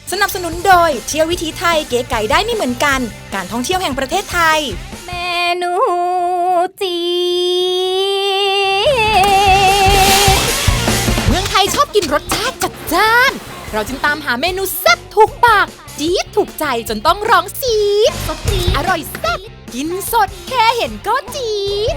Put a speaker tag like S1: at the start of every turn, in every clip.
S1: สนับสนุนโดยเที่ยววิถีไทยเก๋ไก่ได้ไม่เหมือนกันการท่องเที่ยวแห่งประเทศไทย
S2: เมนูจี
S1: เมืองไทยชอบกินรสชาติจัดจ้านเราจึงตามหาเมนูแซ่บถูกปากจี๊ดถูกใจจนต้องร้องซีดสดจี๊ดอร่อยแซ่บกินสดแค่เห็นก็จี๊ด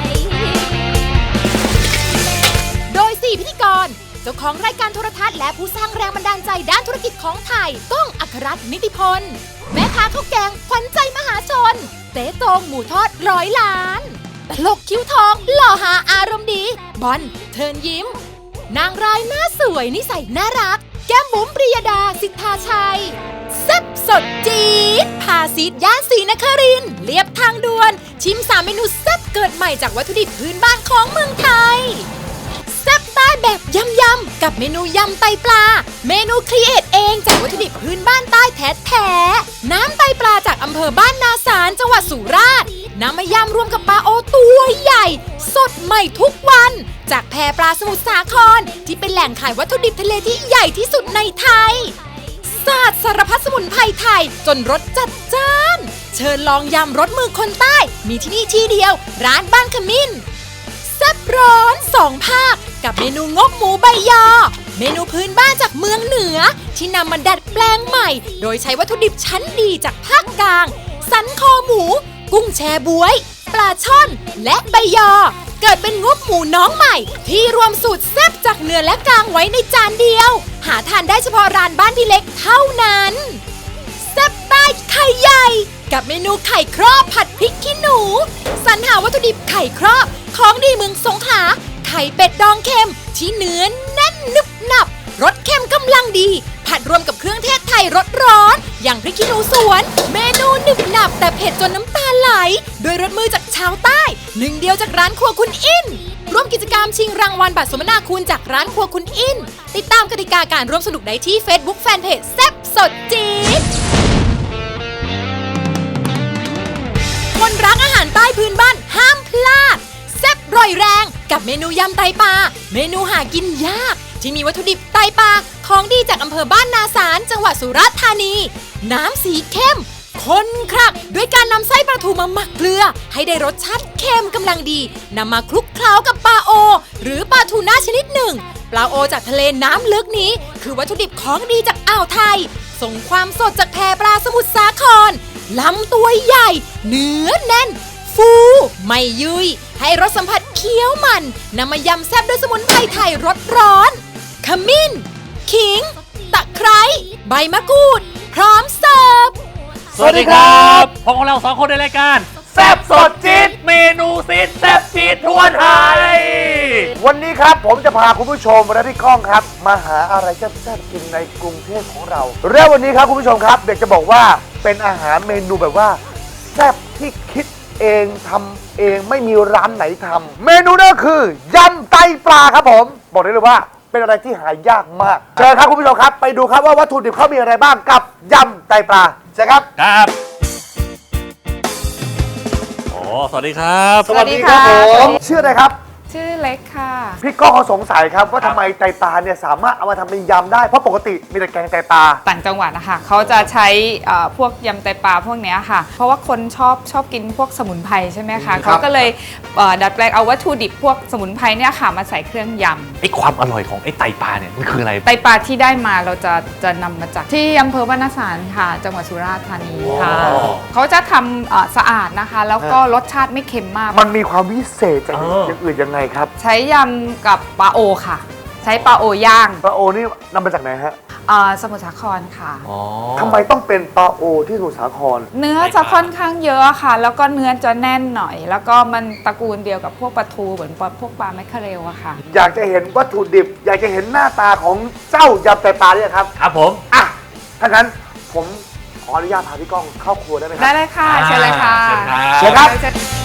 S1: โดย4พิธีกรเจ้าของรายการโทรทัศน์และผู้สร้างแรงบันดาลใจด้านธุรกิจของไทยก้องอัครรัตน์นิติพลแม่ค้าข้าวแกงขวัญใจมหาชนเต๊โต้งหมูทอด100 ล้านตลกคิ้วทองหล่อหาอารมณ์ดีบอลเทิร์นยิ้มนางร้ายหน้าสวยนิสัยน่ารักแก้มบุ๋มปริยดาสิทธาชัยแซ่บสดจี๊ดพาซีดย่านศรีนครินทร์เลียบทางด่วนชิม3 เมนูแซ่บเกิดใหม่จากวัตถุดิบพื้นบ้านของเมืองไทยแซ่บใต้แบบยำๆกับเมนูยำไตปลาเมนูครีเอทเองจากวัตถุดิบพื้นบ้านใต้แท้ๆน้ำไตปลาจากอำเภอบ้านนาสารจังหวัดสุราษฎร์นำมายำรวมกับปลาโอตัวใหญ่สดใหม่ทุกวันจากแพปลาสมุทรสาครที่เป็นแหล่งขายวัตถุดิบทะเลที่ใหญ่ที่สุดในไทยศาสตร์สารพัดสมุนไพรไทยจนรสจัดจ้านเชิญลองยำรสมือคนใต้มีที่นี่ที่เดียวร้านบ้านขมิ้นแซ่บร้อน2 ภาคกับเมนูงบหมูใบยอเมนูพื้นบ้านจากเมืองเหนือที่นำมาดัดแปลงใหม่โดยใช้วัตถุดิบชั้นดีจากภาคกลางสันคอหมูกุ้งแชบ๊วยปลาช่อนและใบยอเกิดเป็นงบหมูน้องใหม่ที่รวมสูตรแซ่บจากเนื้อและกลางไว้ในจานเดียวหาทานได้เฉพาะร้านบ้านพี่เล็กเท่านั้นแซ่บใต้ไข่ใหญ่กับเมนูไข่ครอบผัดพริกขี้หนูสรรหาวัตถุดิบไข่ครอบของดีเมืองสงขลาไข่เป็ดดองเค็มที่เนื้อแน่นนึบหนับรสเค็มกำลังดีผัดรวมกับเครื่องเทศไทยรสร้อนอย่างพริกขี้หนูสวนเมนูหนึบหนับแต่เผ็ดจนน้ำตาไหลโดยรสมือจากชาวใต้หนึ่งเดียวจากร้านครัวคุณอินร่วมกิจกรรมชิงรางวัลบัตรสมนาคุณจากร้านครัวคุณอินติดตามกติกาการร่วมสนุกได้ที่ Facebook Fanpage แซ่บสดจี๊ดคนรักอาหารใต้พื้นบ้านห้ามพลาดแซ่บร่อยแรงกับเมนูยำไตปลาเมนูหากินยากที่มีวัตถุดิบไตปลาของดีจากอำเภอบ้านนาสารจังหวัดสุราษฎร์ธานีน้ำสีเข้มข้นครักด้วยการนำไส้ปลาทูมาหมักเกลือให้ได้รสชาติเค็มกำลังดีนำมาคลุกเคล้ากับปลาโอหรือปลาทูน่าชนิดหนึ่งปลาโอจากทะเลน้ำลึกนี้คือวัตถุดิบของดีจากอ่าวไทยส่งความสดจากแพปลาสมุทรสาครลำตัวใหญ่เนื้อแน่นฟูไม่ยุยให้รสสัมผัสเคี้ยวมันนำมายำแซ่บด้วยสมุนไพรไทยรสร้อนขมิ้นขิงตะไคร้ใบมะกรูดพร้อมเสิร์ฟ
S3: สวัสดีครับพบกับเรา2 คนในรายการแซ่บสดจี๊ดเมนูซีดแซ่บจี๊ดทั่วไทย
S4: วันนี้ครับผมจะพาคุณผู้ชมและพี่ก้องครับมาหาอะไรแซ่บๆกินในกรุงเทพของเราและวันนี้ครับคุณผู้ชมครับเด็กจะบอกว่าเป็นอาหารเมนูแบบว่าแซ่บที่คิดเองทำเองไม่มีร้านไหนทำเมนูนั่นก็คือยำไตปลาครับผมบอกได้เลยว่าเป็นอะไรที่หายากมากเชิญครับคุณผู้ชมครับไปดูครับว่าวัตถุดิบเขามีอะไรบ้างกับยำไตปลาใช่ครับ
S3: ครับโอ้สวัสดีครับ
S4: สวัสดีครับผมชื่ออะไรครับ
S5: ชื่อเล็กค่ะ
S4: พี่ก้องเขาสงสัยครับว่าทำไมไตปลาเนี่ยสามารถเอามาทำเป็นยำได้เพราะปกติมีแต่แกงไตปลา
S5: ต่างจังหวัดนะคะเขาจะใช้พวกยำไตปลาพวกนี้ค่ะเพราะว่าคนชอบกินพวกสมุนไพรใช่ไหมคะเขาก็เลยดัดแปลงเอาวัตถุดิบพวกสมุนไพรเนี่ยค่ะมาใส่เครื่องยำ
S3: ไอ้ความอร่อยของไอ้ไตปลาเนี่ยมันคืออะไร
S5: ไตปลาที่ได้มาเราจะนำมาจากที่อำเภอบ้านนาสารค่ะจังหวัดสุราษฎร์ธานีค่ะเขาจะทำสะอาดนะคะแล้วก็รสชาติไม่เค็มมาก
S4: มันมีความวิเศษจากอย่างอื่นยังไงครับ
S5: ใช้ยำกับปลาโอค่ะใช้ปลาโอย่าง
S4: ปลาโอนี่นำมาจากไหนฮะ
S5: สมุทรสาครค่ะ
S4: ทำไมต้องเป็นปลาโอที่สมุทรสาคร
S5: เนื้อจะค่อนข้างเยอะค่ะแล้วก็เนื้อจะแน่นหน่อยแล้วก็มันตระกูลเดียวกับพวกปลาทูเหมือนพวกปลาแมคเคเรลอะค่ะ
S4: อยากจะเห็นวัตถุดิบอยากจะเห็นหน้าตาของเจ้ายำไตปลาเนี่ยครับ
S3: ครับผม
S4: อ่ะถ้างั้นผมขออนุญาตพาพี่ก้องเข้าครัวได้ไหมครับ
S5: ได้เลยค่ะเชิญเลยค่ะ
S4: เชิญครับ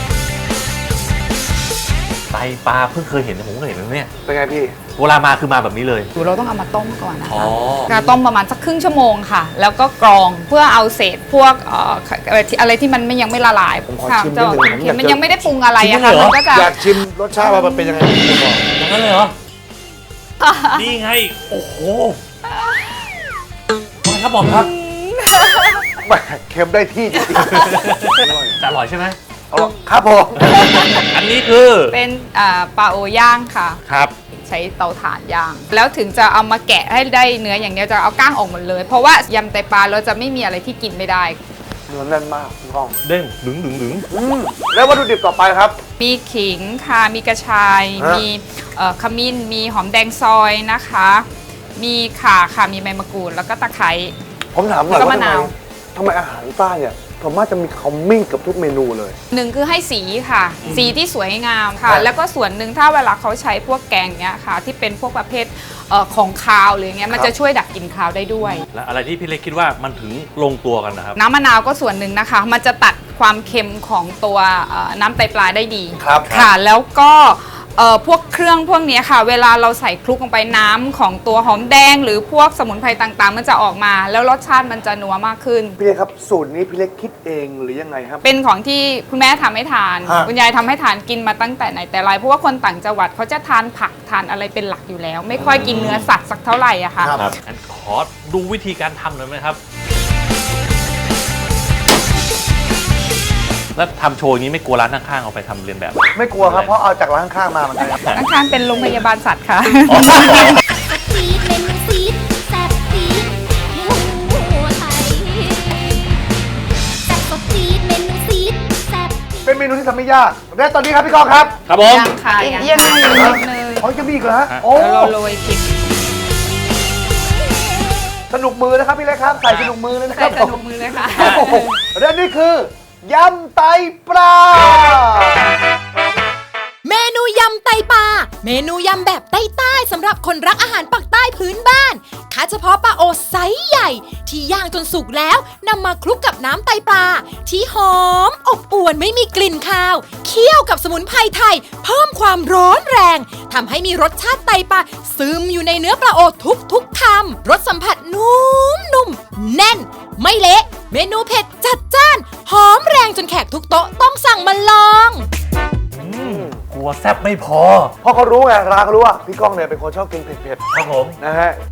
S3: ไตปลาเพิ่งเคยเห็นผมก็เห็นแล้วเนี่ย
S4: เป็นไงพี่
S3: เวลามาคือมาแบบนี้เลย
S5: เราต้องเอามาต้มก่อนนะคะการต้มประมาณสักครึ่งชั่วโมงค่ะแล้วก็กรองเพื่อเอาเศษพวกอะไรที่มันยังไม่ละลาย
S4: ผมขอชิมนิดนึง
S5: มันยังไม่ได้ปรุงอะไรอะค่ะ
S4: มันก็จะอยากชิมรสชาติว่ามันเป็นยังไง
S3: อย่างนั้นเลยเหรอนี่ไงโอ้โหครับผมครับ
S4: แหม่เค็มได้ที่จริง
S3: จะอร่อยใช่ไหม
S4: ๆเอาครับผม
S3: อันนี้คือ
S5: เป็นปลาโอย่างค่ะ
S3: ครับ
S5: ใช้เตาถ่านย่าง แล้วถึงจะเอามาแกะให้ได้เนื้ออย่างเดียวจะเอาก้างออกหมดเลย เพราะว่ายำไตปลาเราจะไม่มีอะไรที่กินไม่ได้
S4: เนื้อแน่นมากพี่ก้อง
S3: เด้งดึงดึงดึง
S4: แล้ววัตถุดิบต่อไปครับ
S5: มีขิงค่ะมีกระชาย
S4: ฮะ
S5: มีขมิ้นมีหอมแดงซอยนะคะ มีข่าค่ะมีใบมะกรูดแล้วก็ตะไคร้
S4: ผมถามหน่อย
S5: แล้วก็
S4: ว่าม
S5: ะนาว
S4: ทำไมอาหารใต้เนี่ยผมว่าจะมีขมิ้นกับทุกเมนูเลย
S5: หนึ่งคือให้สีค่ะ สีที่สวยงามค่ะ
S4: ครับ
S5: แล้วก็ส่วนหนึ่งถ้าเวลาเขาใช้พวกแกงเนี้ยค่ะ ที่เป็นพวกประเภทของคาวหรือเงี้ยมันจะช่วยดับกลิ่นคาวได้ด้วย
S3: และอะไรที่พี่เล็กคิดว่ามันถึงลงตัวกันนะครับ
S5: น้ำมะนาวก็ส่วนหนึ่งนะคะ มันจะตัดความเค็มของตัวน้ำไตปลาได้ดี
S4: ครับ
S5: ค่ะ แล้วก็พวกเครื่องพวกเนี้ยค่ะ เวลาเราใส่คลุกลงไปน้ำของตัวหอมแดง หรือพวกสมุนไพรต่างๆ มันจะออกมา แล้วรสชาติมันจะนัวมากขึ้น
S4: พี่เล็กครับสูตรนี้พี่เล็กคิดเองหรือยังไงครับ
S5: เป็นของที่คุณแม่ทำให้ทาน
S4: ฮะ
S5: คุณยายทำให้ทานกินมาตั้งแต่ไหนแต่ไรเพราะว่าคนต่างจังหวัดเขาจะทานผักทานอะไรเป็นหลักอยู่แล้ว ไม่ค่อยกินเนื้อสัตว์สักเท่าไหร่อะค่ะ
S3: ครับงั้นขอดูวิธีการทำหน่อยไหมครับ แล้วทำโชว์อย่างนี้ไม่กลัวร้านข้างๆเอาไปทำเรียนแบบ
S4: ไม่กลัวครับเพราะเอาจากร้านข้างๆมาเหมือนกันครับ
S5: ข้างๆเป็นโรงพยาบาลสัตว์ค่ะ
S2: ซีดเมนูซีดแซ่บซีดหมูไทยแซ่บสดซีดเมนูซีดแซ่บ
S4: เป็นเมนูที่ทำไม่ยากและตอนนี้ครับพี่ก้องครับ
S3: ครับผม
S5: ยังค่ะยัง
S4: ยังไง
S5: นิดนึง
S4: อ๋อจะมีอีกเหรอฮะโอ้
S5: แล้วเราโรยพริก
S4: สนุกมือนะครับพี่เล็กครับใส่สนุกมือเลยนะค
S5: ใส่
S4: รับ
S5: สนุกมือเลยค่ะ
S4: โอ้โหและนี่คือยำไตปลา
S1: เมนูยำไตปลา เมนูยำแบบใต้ๆสำหรับคนรักอาหารปักใต้พื้นบ้านคัดเฉพาะปลาโอไซส์ใหญ่ ที่ย่างจนสุกแล้วนำมาคลุกกับน้ำไตปลา ที่หอมอบอวนไม่มีกลิ่นคาว เคี่ยวกับสมุนไพรไทย เพิ่มความร้อนแรงทำให้มีรสชาติไตปลาซึมอยู่ในเนื้อปลาโอทุกคำรสสัมผัสนุ่มๆแน่น ไม่เละเมนูเผ็ดจัดจ้าน หอมแรงจนแขกทุกโต๊ะต้องสั่งมาลอง
S3: กลัวแซ่บไม่พอ
S4: เพราะเขารู้ไงร้านเขารู้ว่าพี่ก้องเนี่ยเป็นคนชอบกินเผ็ด
S3: ครับผม
S4: ๆนะฮะ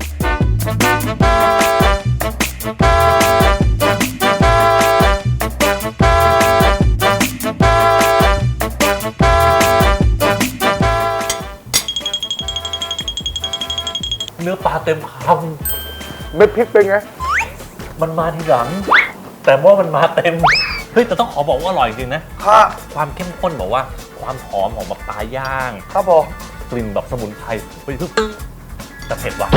S3: เนื้อปลาเต็มค
S4: เม็ดพริกเป็นไง
S3: ำมันมาทีหลัง แต่ว่ามันมาเต็ม เฮ้ยแต่ต้องขอบอกว่าอร่อยจริงนะ
S4: ค่ะ
S3: ความเข้มข้นบอกว่าความหอมของแบบปลาย่าง
S4: ครับผม
S3: กลิ่นแบบสมุนไพรเฮ้ยแต่เผ็ดว่ะ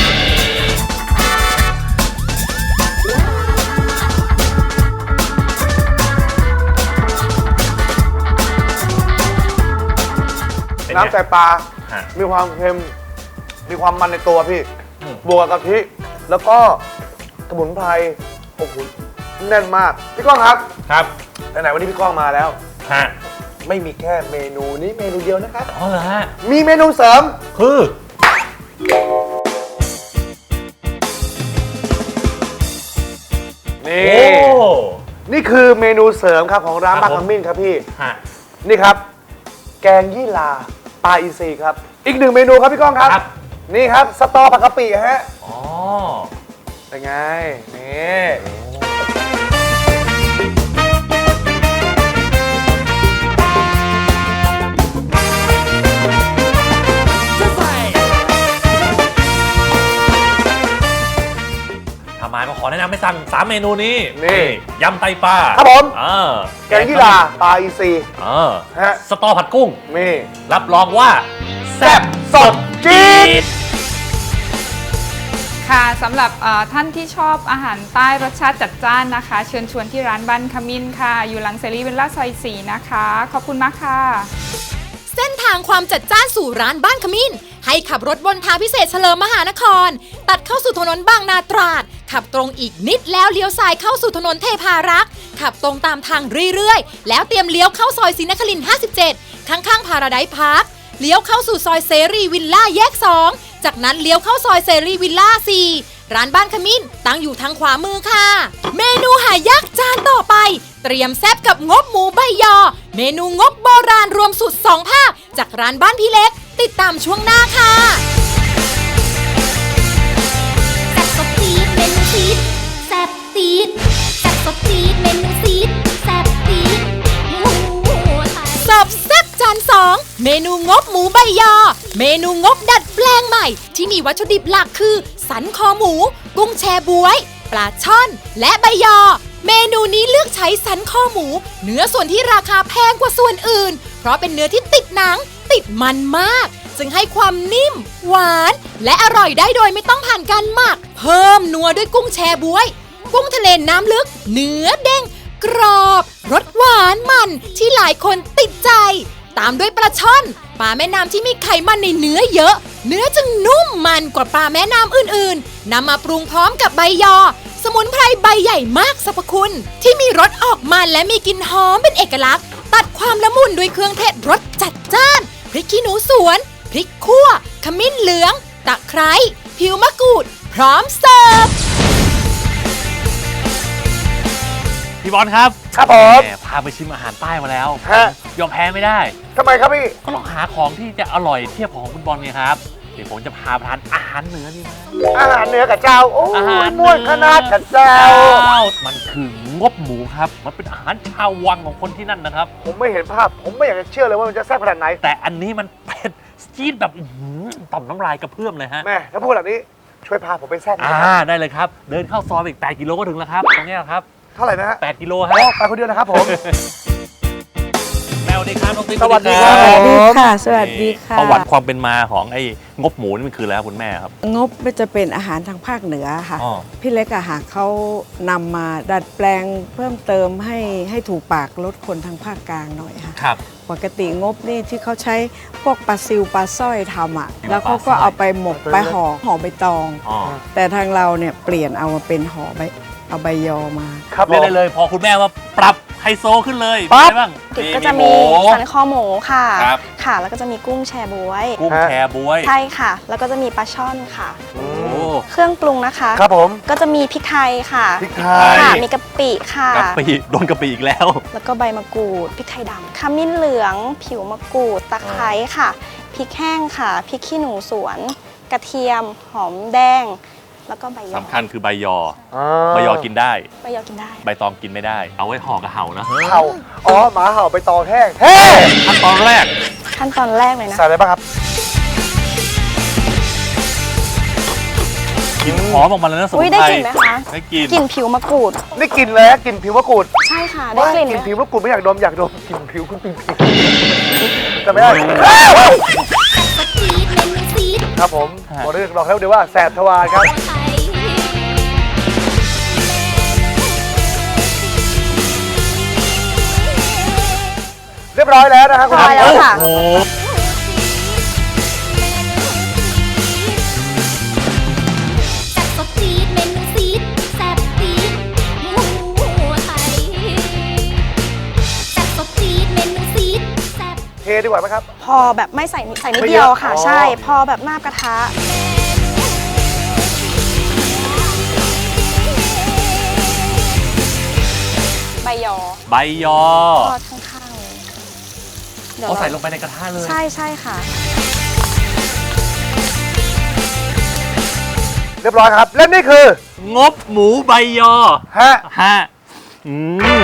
S4: น้ำไตปลา
S3: ฮะ
S4: มีความเค็ม มีความมันในตัวพี่
S3: อืม
S4: บวกกับกะทิ แล้วก็สมุนไพร โอ้โห แน่นมาก พี่ก้องครับ
S3: ครับ
S4: ไหนๆวันนี้พี่ก้องมาแล้ว
S3: ฮะ
S4: ไม่มีแค่เมนูนี้เมนูเดียวนะครับ
S3: อ๋อเหรอฮะ
S4: มีเมนูเสริม
S3: คือ
S4: นี่
S3: โอ้
S4: นี่คือเมนูเสริมครับของร้าน
S3: ครับ
S4: บางขมิ้นครับพี่
S3: ฮะ
S4: นี่ครับ แกงยี่ลาปลาอินทรีครับ อีกหนึ่งเมนูครับพี่ก้องครับ
S3: ครับ
S4: นี่ครับสตอผักกะปิฮะ
S3: อ๋อ
S4: เป็นไง นี่
S3: ทำไมมาขอแนะนำให้สั่ง3เมนูนี้
S4: นี่
S3: ยำไตปลา
S4: ครับผม
S3: แก
S4: แกงยี่ลาปลาอินทรี ฮะ
S3: สตอผัดกุ้ง
S4: นี่
S3: รับรองว่าแซ่บ
S4: สดจี๊ด
S5: ค่ะสำหรับท่านที่ชอบอาหารใต้รสชาติจัดจ้านนะคะ เชิญชวนที่ร้านบ้านขมิ้นค่ะ อยู่หลังเซรีวิลล่าซอย4นะคะ ขอบคุณมากค่ะ
S1: เส้นทางความจัดจ้านสู่ร้านบ้านขมิ้น ให้ขับรถบนทางพิเศษเฉลิมมหานคร ตัดเข้าสู่ถนนบางนาตราด ขับตรงอีกนิดแล้วเลี้ยวซ้ายเข้าสู่ถนนเทพารักษ์ขับตรงตามทางเรื่อยๆ แล้วเตรียมเลี้ยวเข้าซอยศรีนครินทร์57 ข้างๆพาราไดซ์พาร์ค เลี้ยวเข้าสู่ซอยเสรีวิลล่าแยก 2 จากนั้นเลี้ยวเข้าซอยเสรีวิลล่า 4 ร้านบ้านขมิ้นตั้งอยู่ทางขวามือค่ะ เมนูหายากจานต่อไป เตรียมแซ่บกับงบหมูใบยอ เมนูงบโบราณรวมสุด2ภาคจากร้านบ้านพี่เล็ก ติดตามช่วงหน้าค่ะ
S2: แซ่บสดซีดเมนูซีดตีดแซ่บสดตีดเมนูซีดแซ่บตีดหมูไทย
S1: เสิร์ฟแซ่บจาน2เมนูงบหมูใบยอ เมนูงบดัดแปลงใหม่ ที่มีวัตถุดิบหลักคือ สันคอหมู กุ้งแชบ๊วย ปลาช่อน และใบยอ เมนูนี้เลือกใช้สันคอหมู เนื้อส่วนที่ราคาแพงกว่าส่วนอื่น เพราะเป็นเนื้อที่ติดหนัง ติดมันมาก จึงให้ความนิ่ม หวาน และอร่อยได้โดยไม่ต้องผ่านการหมัก เพิ่มนัวด้วยกุ้งแชบ๊วย กุ้งทะเลน้ำลึก เนื้อเด้ง กรอบรสหวานมันที่หลายคนติดใจ ตามด้วยปลาช่อนปลาแม่น้ำที่มีไขมันในเนื้อเยอะ เนื้อจึงนุ่มมันกว่าปลาแม่น้ำอื่นๆนำมาปรุงพร้อมกับใบยอ สมุนไพรใบใหญ่มากสรรพคุณ ที่มีรสออกมันและมีกลิ่นหอมเป็นเอกลักษณ์ ตัดความละมุนด้วยเครื่องเทศรสจัดจ้านพริกขี้หนูสวนพริกขั่วขมิ้นเหลืองตะไคร้ผิวมะกรูด พร้อมเสิร์ฟ
S3: พี่บอลครับ
S4: ครับผม
S3: แหพาไปชิมอาหารใต้มาแล้ว
S4: ฮะ
S3: ยอมแพ้ไม่ได้
S4: ทำไมครับพี่
S3: ก็ลองหาของที่จะอร่อยเทียบของคุณบอลไงครับ เดี๋ยวผมจะพาไปทานอาหารเหนือนี่นะ
S4: อาหารเหนือกับเจ้า โอ้
S3: อาหาร
S4: ยม่วนขนาดกับเจ้า
S3: มันคืองบหมูครับ มันเป็นอาหารชาววังของคนที่นั่นนะครับ
S4: ผมไม่เห็นภาพ ผมไม่อยากจะเชื่อเลยว่ามันจะแซ่บขนาดไหน
S3: แต่อันนี้มันเผ็ดจี๊ดแบบอื้อหือต่อมน้ำลายกระเพื่อมเลยฮะ
S4: แม่ถ้าพูดแบบนี้ช่วยพาผมไปแซ่บหน่อย
S3: ได้เลยครับ เดินเข้าซอยไปอีก8 กิโลก็ถึงแล้วครับ ตรงเนี้ยครับ
S4: เท่าไหร่นะฮะ
S3: 8 กิโล
S4: อ๋
S3: ฮะ
S4: อไปคนเดียวนะครับผม
S3: แมวดีครับน้องติ๊ก
S4: สวัสดี
S3: ค
S4: ครั
S3: รับ
S4: ผม
S6: ค่ะ สวัสดีค่ะ
S3: ประวัติความเป็นมาของไอ้งบหมูนี่มันคืออะไรครับคุณแม่ครับ
S6: งบจะเป็นอาหารทางภาคเหนือค่ะ
S3: อ๋อ
S6: พี่เล็กอะค่ะเขานำมาดัดแปลงเพิ่มเติมให้ถูกปากลดคนทางภาคกลางหน่อยค่ะ
S3: ครับ
S6: ปกติงบนี่ที่เขาใช้พวกปลาซิวปลาสร้อยทำอะแล้วเขาก็เอาไปหมกไปห่อใบตอง
S3: อ๋อ
S6: แต่ทางเราเนี่ยเปลี่ยนเอามาเป็นห่อใบเอาใบยอมา
S4: ครับผ
S3: เรียก
S4: ม
S3: ได้เลยพอคุณแม่ว่าปรับไฮโซขึ้นเลย
S4: ปั๊บ
S3: เป็นไงบ้าง
S7: ติดก็จะมี
S3: ห
S7: สันคอหมูค่ะ
S3: ครับ
S7: ค่ะ แล้วก็จะมีกุ้งแชบ๊วย
S3: กุ้งแชบ๊วย
S7: ใช่ค่ะ แล้วก็จะมีปลาช่อนค่ะ
S3: โอ้
S7: เครื่องปรุงนะคะ
S4: ครับผม
S7: ก็จะมีพริกไทยค่ะ
S4: พริกไท
S7: ค่ะ
S4: ย
S7: มีกะปิค่ะ
S3: กะปิโดนกะปิอีกแล้ว
S7: แล้วก็ใบมะกรูด พริกไทยดำขมิ้นเหลือง ผิวมะกรูด ตะไคร้ค่ะ พริกแห้งค่ะ พริกขี้หนูสวน กระเทียม หอมแดง แล้วก็ใบยอ
S3: สำคัญคือใบยอ
S4: อ่า
S3: ใบยอกินได้
S7: ใบยอกินได้
S3: ใบตองกินไม่ได้ เอาไว้ห่อกระเห่านะ
S4: เห่าอ๋อหมาเห่าไปตองแห้งเฮ้
S3: ขั้นตอนแรก
S7: ขั้นตอนแรกเลยนะ
S4: ใส่อะไรบ้างครับ
S3: กลินหอมออกมาเลยนะสมุ
S7: อุ้ย
S3: น
S7: ได้
S3: ไพร
S7: กลิ่นไหมคะ
S3: ได้กลิน
S7: กลิ่นผิวมะกรูด
S4: นี่กลินเลยกลินผิวมะกรูด
S7: ใช่ค่ะ ได้
S4: ว่าก
S7: ลิ่น
S4: กลิน
S7: ไหม
S4: ผิวมะกรูดไม่อยากดมอยากดมกลินผิวคุณปิงปิงแต่ไม่ได้
S2: สดจี๊ดเมนูซีด
S4: ครับผมบอกได้ลองแล้วเดี๋ยวว่าแสบทวารครับ
S2: ไทย
S4: เรียบร้อยแล้วนะครับคุณ
S7: พอแล้วค่ะ
S3: โอ้โห
S2: แซ่บสดจี๊ดเมนูซีดแซ่บจี๊ดหมูไทยแซ่บสดจี๊ดเมนูซีดแซ่บ
S4: เทดีกว่าไหมครับ
S7: พอแบบไม่ใส่นิด
S4: ไม่เยอะ
S7: เดียวค่ะ
S4: อ๋อ
S7: ใช่ พอแบบหน้ากระทะ ใบยอ
S3: ใบยอ
S7: ทอดข้างๆเลยเดี๋ยว
S3: เอา
S7: เรา
S3: ใส่ลงไปในกระทะเลย
S7: ใช่ใช่ค่ะ
S4: เรียบร้อยครับ และนี่คือง
S3: บหมูใบยอ
S4: ฮะ
S3: ฮะอืม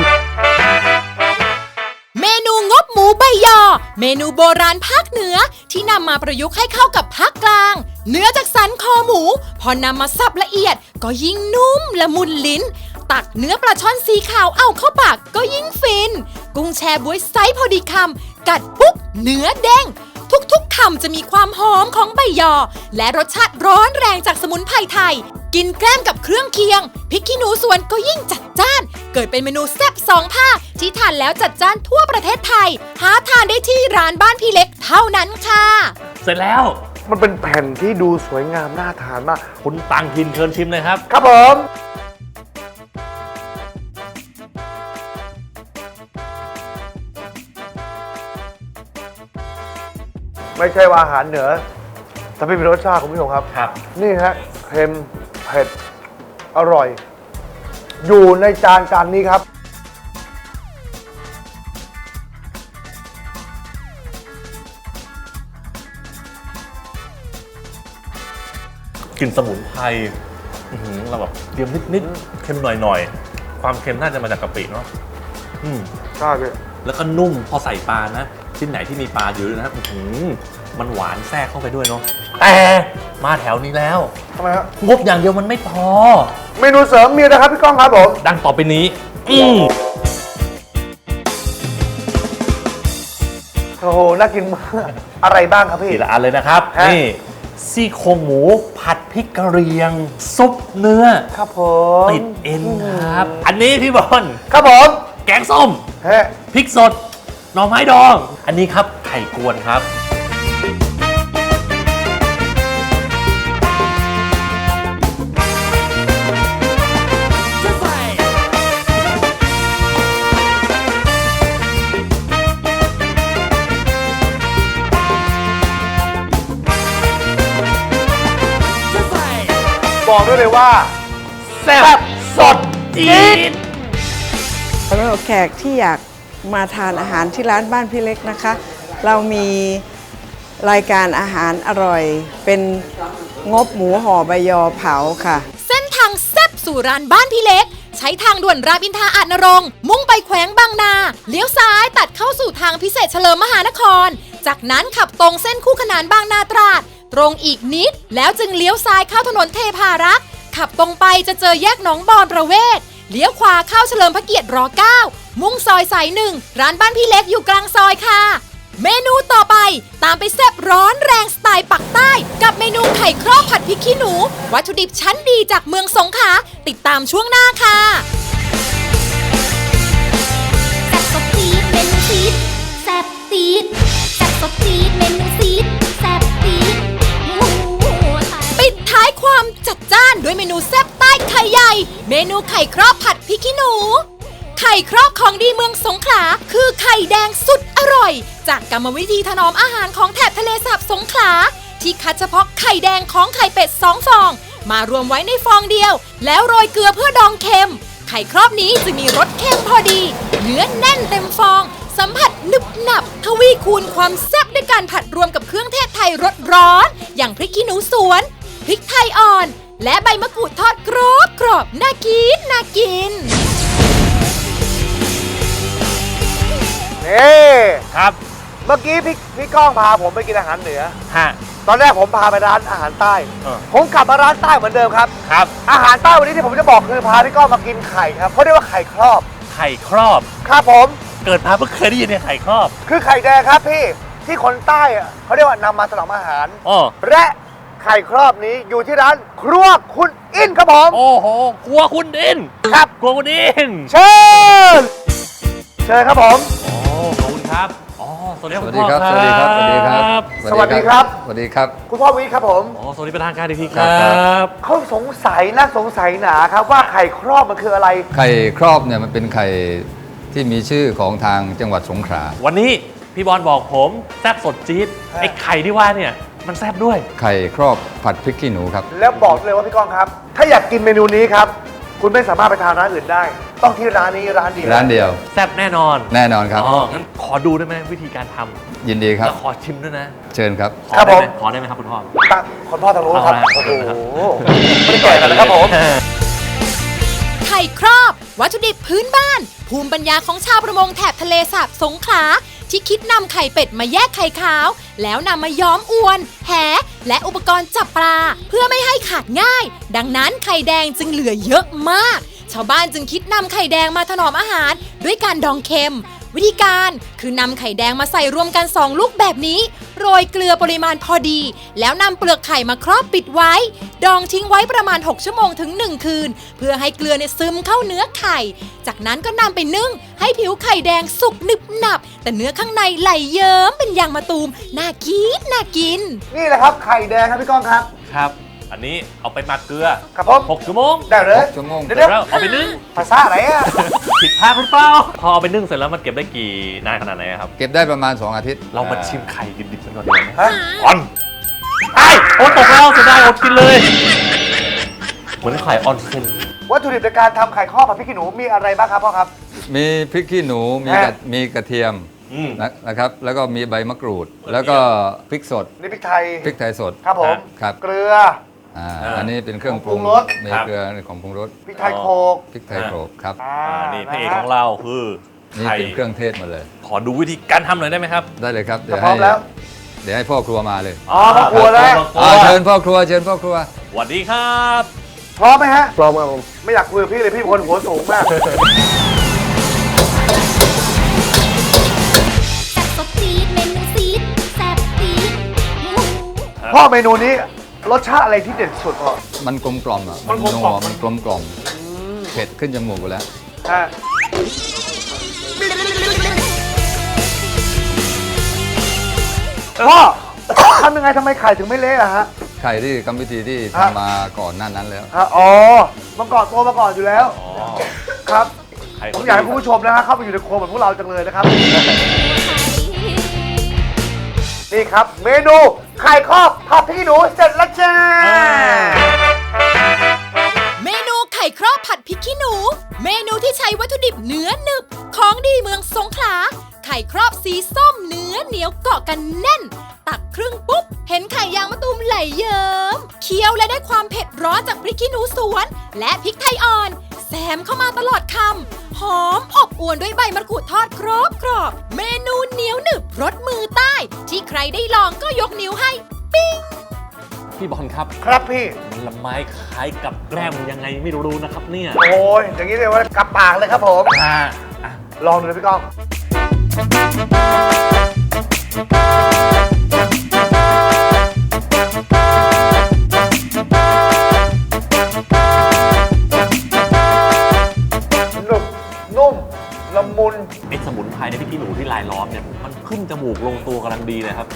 S1: เมนูงบหมูใบยอ เมนูโบราณภาคเหนือที่นำมาประยุกต์ให้เข้ากับภาคกลาง เนื้อจากสันคอหมู พอนำมาสับละเอียด ก็ยิ่งนุ่มละมุนลิ้น ตักเนื้อปลาช่อนสีขาวเอาเข้าปากก็ยิ่งฟิน กุ้งแชบ๊วยไซส์พอดีคำกัดปุ๊บเนื้อเด้ง ทุกๆคำจะมีความหอมของใบยอ และรสชาติร้อนแรงจากสมุนไพรไทย กินแกล้มกับเครื่องเคียงพริกขี้หนูสวนก็ยิ่งจัดจ้าน เกิดเป็นเมนูแซ่บ2 ภาคที่ทานแล้วจัดจ้านทั่วประเทศไทย หาทานได้ที่ร้านบ้านพี่เล็กเท่านั้นค่ะ
S3: เสร็จแล้ว
S4: มันเป็นแผ่นที่ดูสวยงามน่าทานมาก
S3: คุณตังทินเชิญชิมเลยครับ
S4: ครับผม ไม่ใช่ว่าอาหารเหนือ แต่ไม่มีรสชาติคุณผู้ชมครับ
S3: ครับ
S4: นี่ฮะเค็มเผ็ด อร่อย อยู่ในจานนี้ครับ
S3: กลิ่นสมุนไพรเราแบบเค็มนิดๆเค็มหน่อยๆความเค็มน่าจะมาจากกะปิเนาะ
S4: ใช่พี่
S3: แล้วก็นุ่มพอใส่ปลานะชิ้นไหนที่มีปลาอยู่ด้วยนะมันหวานแทรกเข้าไปด้วยเนาะแต่มาแถวนี้แล้ว
S4: ทำไมฮะ
S3: งบอย่างเดียวมันไม่พอ
S4: เมนูเสริมมีนะครับพี่ก้องครับผม
S3: ดังต่อไปนี้
S4: โอ้โหน่ากินมากอะไรบ้างครับพี่
S3: ทีละอันเลยนะครับนี่ซี่โครงหมูผัดพริกกะเหรี่ยงซุปเนื้อ
S4: ครับผม
S3: ติดเอ็นครับอันนี้พี่บอล
S4: ครับผม
S3: แกงส้มพริกสดหน่อไม้ดองอันนี้ครับไข่กวนครับ
S4: บอกได้เลยว่าแซ่บสดจี๊ด
S6: สำหรับแขกที่อยากมาทานอาหารที่ร้านบ้านพี่เล็กนะคะ เรามีรายการอาหารอร่อยเป็นงบหมูห่อใบยอเผาค่ะ
S1: เส้นทางแซ่บสู่ร้านบ้านพี่เล็กใช้ทางด่วนรามอินทราอาจนรงค์มุ่งไปแขวงบางนาเลี้ยวซ้ายตัดเข้าสู่ทางพิเศษเฉลิมมหานครจากนั้นขับตรงเส้นคู่ขนานบางนาตราดตรงอีกนิดแล้วจึงเลี้ยวซ้ายเข้าถนนเทพารักษ์ขับตรงไปจะเจอแยกหนองบอนประเวศเลี้ยวขวาเข้าเฉลิมพระเกียรติร9มุ่งซอยสาย1ร้านบ้านพี่เล็กอยู่กลางซอยค่ะเมนูต่อไปตามไปแซ่บร้อนแรงสไตล์ปักใต้กับเมนูไข่ครอบผัดพริกขี้หนูวัตถุดิบชั้นดีจากเมืองสงขลาติดตามช่วงหน้าค่ะ
S2: แซ่บสดจี๊ดเมนูซีดแซ่บจี๊ดแซ่บสดจี๊ดเมนูซีดแซ่บจี๊ด
S1: ปิดท้ายความจัดจ้านด้วยเมนูแซ่บใต้ไข่ใหญ่เมนูไข่ครอบผัดพริกขี้หนูไข่ครอบของดีเมืองสงขลาคือไข่แดงสุดอร่อยจากกรรมวิธีถนอมอาหารของแถบทะเลสาบสงขลาที่คัดเฉพาะไข่แดงของไข่เป็ด2 ฟองมารวมไว้ในฟองเดียวแล้วโรยเกลือเพื่อดองเค็มไข่ครอบนี้จะมีรสเค็มพอดีเนื้อแน่นเต็มฟองสัมผัสนึบหนับทวีคูณความแซ่บด้วยการผัดรวมกับเครื่องเทศไทยรสร้อนอย่างพริกขี้หนูสวนพริกไทยอ่อนและใบมะกรูดทอดกรอบน่ากินน่ากิน
S4: นี่
S3: ครับ
S4: เมื่อกี้พี่ก้องพาผมไปกินอาหารเหนือ
S3: ฮะ
S4: ตอนแรกผมพาไปร้านอาหารใต้ผมกลับมาร้านใต้เหมือนเดิมครับ
S3: ครับ
S4: อาหารใต้วันนี้ที่ผมจะบอกคือพาพี่ก้องมากินไข่ครับเขาเรียกว่าไข่ครอบ
S3: ไข่ครอบ
S4: ครับผม
S3: เกิดมาเพิ่งเคยได้ยินเนี่ยไข่ครอบ
S4: คือไข่แดงครับพี่ที่คนใต้อะเขาเรียกว่านำมาถนอมอาหารและไข่ครอบนี้อยู่ที่ร้านครัวคุณอินครับผม
S3: โอ้โหครัวคุณอิน
S4: ครับ
S3: ครัวคุณอิน
S4: เชิญครับผม
S3: โอ้ขอบคุณครับสวัสดีครับ
S8: สวัสดีครับสวัสดีครับ
S4: สวัสดีครับ
S8: สวัสดีครับ
S4: คุณพ่อวิครับผม
S3: สวัสดีประธานการดีทีครับ
S4: เขาสงสัยหนาครับว่าไข่ครอบมันคืออะไร
S8: ไข่ครอบเนี่ยมันเป็นไข่ที่มีชื่อของทางจังหวัดสงขลา
S3: วันนี้พี่บอลบอกผมแซ่บสดจี๊ดไอ้ไข่ที่ว่าเนี่ยมันแซ่บด้วย
S8: ไข่ครอบผัดพริกขี้หนูครับ
S4: แล้วบอกเลยว่าพี่ก้องครับถ้าอยากกินเมนูนี้ครับคุณไม่สามารถไปทานร้านอื่นได้ต้องที่ร้านนี้ร้านเดียว
S3: แซ่บแน่นอน
S8: ครับ
S3: งั้นขอดูได้ไหมวิธีการท
S8: ำยินดีครับ
S3: แล้วขอชิมด้วยนะ
S8: เชิญครับ
S4: ครับผม
S3: ขอได้ไหมครับคุณพ่อ
S4: คุณพ่อทางโน้นครับโอ้โหไม่ได้แก่กันนะครับผม
S1: ไข่ครอบวัตถุดิบพื้นบ้านภูมิปัญญาของชาวประมงแถบทะเลสาบสงขลาที่คิดนำไข่เป็ดมาแยกไข่ขาวแล้วนำมาย้อมอวนแหและอุปกรณ์จับปลาเพื่อไม่ให้ขาดง่ายดังนั้นไข่แดงจึงเหลือเยอะมากชาวบ้านจึงคิดนำไข่แดงมาถนอมอาหารด้วยการดองเค็มวิธีการคือนำไข่แดงมาใส่รวมกัน2ลูกแบบนี้โรยเกลือปริมาณพอดีแล้วนำเปลือกไข่มาครอบปิดไว้ดองทิ้งไว้ประมาณ6 ชั่วโมงถึง1 คืนเพื่อให้เกลือซึมเข้าเนื้อไข่จากนั้นก็นำไปนึ่งให้ผิวไข่แดงสุกหนึบหนับแต่เนื้อข้างในไหลเยิ้มเป็นยางมะตูมน่ากิน
S4: นี่แหละครับไข่แดงครับพี่ก้องครับ
S3: ครับอันนี้เอาไปหมักเกลือ
S4: ครับผม
S3: 6 ชั่วโมง
S4: ได้เลย
S8: 6 ชั่วโมง
S3: เดี๋ยวเอาไปนึ่ง
S4: ภาษาอะไรอ่ะ
S3: ผิดพลาดหรือเปล่าพอเอาไปนึ่งเสร็จแล้วมันเก็บได้กี่นานขนาดไหนครับ
S8: เก็บได้ประมาณ2 อาทิตย์
S3: เรามาชิมไข่ดิบๆกันก่อนดีไหมก่อนโอ้ตกแล้วเสียดายอดกินเลยเหมือนไข่ออนเซน
S4: วัตถุดิบในการทำไข่ข้อผัดพริกขี้หนูมีอะไรบ้างครับพ่อครับ
S8: มีพริกขี้หนูมีกระเทียมนะครับแล้วก็มีใบมะกรูดแล้วก็พริกสด
S4: นี่พริกไทย
S8: สด
S4: ครับผม
S8: ครับ
S4: เกลือ
S8: อันนี้เป็นเครื่องปรุง
S4: ปรุงรส
S8: ใน
S3: ครับ
S8: เกลือของปรุงรส
S4: พริกไทยโขก
S8: พริกไทยโขลกครับ
S3: นี่พระเอกของเราคือ
S8: นี่
S3: ไข่
S8: เป็นเครื่องเทศหมดเลย
S3: ขอดูวิธีการทำหน่อยได้ไหมครับ
S8: ได้เลยครับ
S4: พร้อมแล้ว
S8: เดี๋ยวให้พ่อครัวมาเลย
S4: อ๋อพ่อครัวแล้ว
S8: เชิญพ่อครัวเชิญพ่อครัว
S3: สวัสดีครับ
S4: พร้อมไหมฮะ พร้อมครับผม ไม่อยากคุยกับพี่เลยพี่เป็นคนหัวสูงมาก
S2: แซ่บสดจี๊ดเมนูซีดแซ่บจี๊ดหมู
S4: พ่อเมนูนี้รสชาติอะไรที่เด่นสุดพ่อ
S8: มันกลมกล่อมอ่ะ
S4: มันกลมกล่อม
S8: มันกลมกล่อมเผ็ดขึ้นจมูกหมดแล้ว
S4: ฮะพ่อ ทำยังไงทำไมไข่ถึงไม่เละอะฮะ
S8: ไข่ที่กรรมวิธีที่
S4: ฮะ
S8: ทำมาก่อนหน้านั้นแล้ว
S4: ฮะอ๋อมาก่อนตัวมาก่อนอยู่แล้ว
S3: อ๋อ
S4: ครับ
S3: ไข่
S4: ผมอยากให้คุณผู้ชมนะฮะเข้าไปอยู่ในครัวเหมือนพวกเราจังเลยนะครับ นี่ครับ เมนูไข่ครอบผัดพริกขี้หนูเสร็จแล้วจ้า
S1: เมนูไข่ครอบผัดพริกขี้หนู เมนูที่ใช้วัตถุดิบเนื้อหนึบของดีเมืองสงขลา ไข่ครอบสีส้มเนื้อเหนียวเกาะกันแน่น ตักครึ่งปุ๊บ เห็นไข่ยางมะตูมไหลเยิ้มเคี้ยวและได้ความเผ็ดร้อนจากพริกขี้หนูสวน และพริกไทยอ่อน แซมเข้ามาตลอดคำหอมอบอวนด้วยใบมะกรูดทอดกรอบเมนูเหนียวหนึบรสมือใต้ ที่ใครได้ลองก็ยกนิ้วให้ ปิ้ง
S3: พี่บอลครับ
S4: ครับพี่
S3: มันละไม้คล้ายกับแกล้มยังไงไม่รู้นะครับเนี่ย
S4: โอ้ยอย่างนี้เลยว่ากลับปากเลยครับผม
S3: อ่า
S4: ลองดูนะพี่ก้อง หนุบนุ่ม ละมุน
S3: ไอ้สมุนไพรในพริกขี้หนูที่ลายล้อมเนี่ยมันขึ้นจมูกลงตัวกำลังดีเลยครับ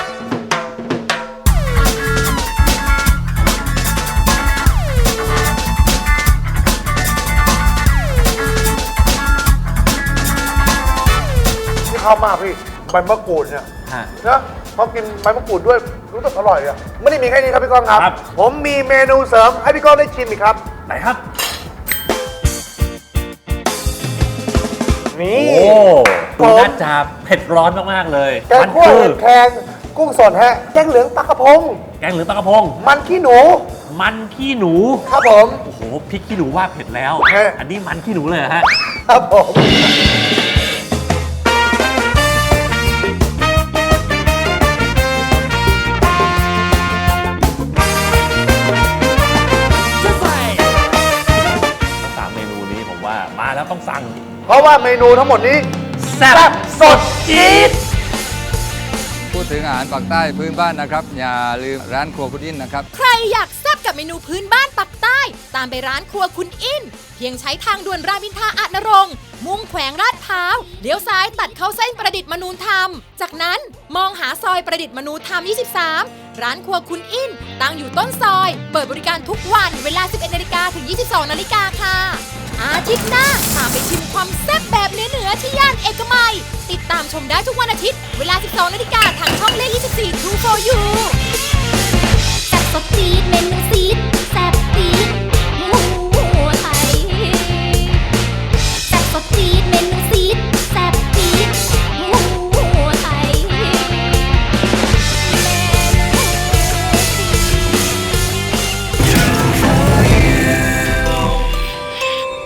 S4: ที่เข้ามากพี่ใบมะกรูดเนี่ย
S3: ฮะ
S4: นะพอกินใบมะกรูดด้วยรู้สึกอร่อยอ่ะไม่ได้มีแค่นี้ครับพี่ก้องครับ
S3: ครับ
S4: ผมมีเมนูเสริมให้พี่ก้องได้ชิมอีกครับ
S3: ไหนครับ
S4: นี่
S3: โอ้
S4: ผ
S3: ดู
S4: ม
S3: น่าจะเผ็ดร้อนมากๆเลย
S4: แกงคั่ว
S3: คื
S4: เห็ดแคงกุ้งสดฮะแกงเหลืองปลากระพง
S3: แกงเหลืองปลากระพง
S4: มันขี้หนู
S3: มันขี้หนู
S4: ครับผม
S3: โอ้โหพริกขี้หนูว่าเผ็ดแล้ว
S4: ฮะ
S3: อันนี้มันขี้หนูเลยเหรอฮะ
S4: ครับผม
S3: สามเมนูนี้ผมว่ามาแล้วต้องสั่ง
S4: เพราะว่าเมนูทั้งหมดนี้
S3: แซ่บสดจี๊ด
S8: พูดถึงอาหารปากใต้พื้นบ้านนะครับ อย่าลืมร้านครัวพุดดิ้นนะครับ
S1: ใครอยากแซ่บกับเมนูพื้นบ้านปักใต้ ตามไปร้านครัวคุณอิน เพียงใช้ทางด่วนรามอินทราอาจนรงค์มุ่งแขวงลาดพร้าวเลี้ยวซ้ายตัดเข้าเส้นประดิษฐ์มนูธรรม จากนั้นมองหาซอยประดิษฐ์มนูธรรม 23 ร้านครัวคุณอิน ตั้งอยู่ต้นซอย เปิดบริการทุกวันเวลา 11 นาฬิกาถึง 22 นาฬิกาค่ะ อาทิตย์หน้าตามไปชิมความแซ่บแบบเหนือๆที่ย่านเอกมัย ติดตามชมได้ทุกวันอาทิตย์ เวลา 12 นาฬิกาทางช่องเลข 24 True for You
S2: แซ่บสดจี๊ดเมนูซีดแซ่บจี๊ด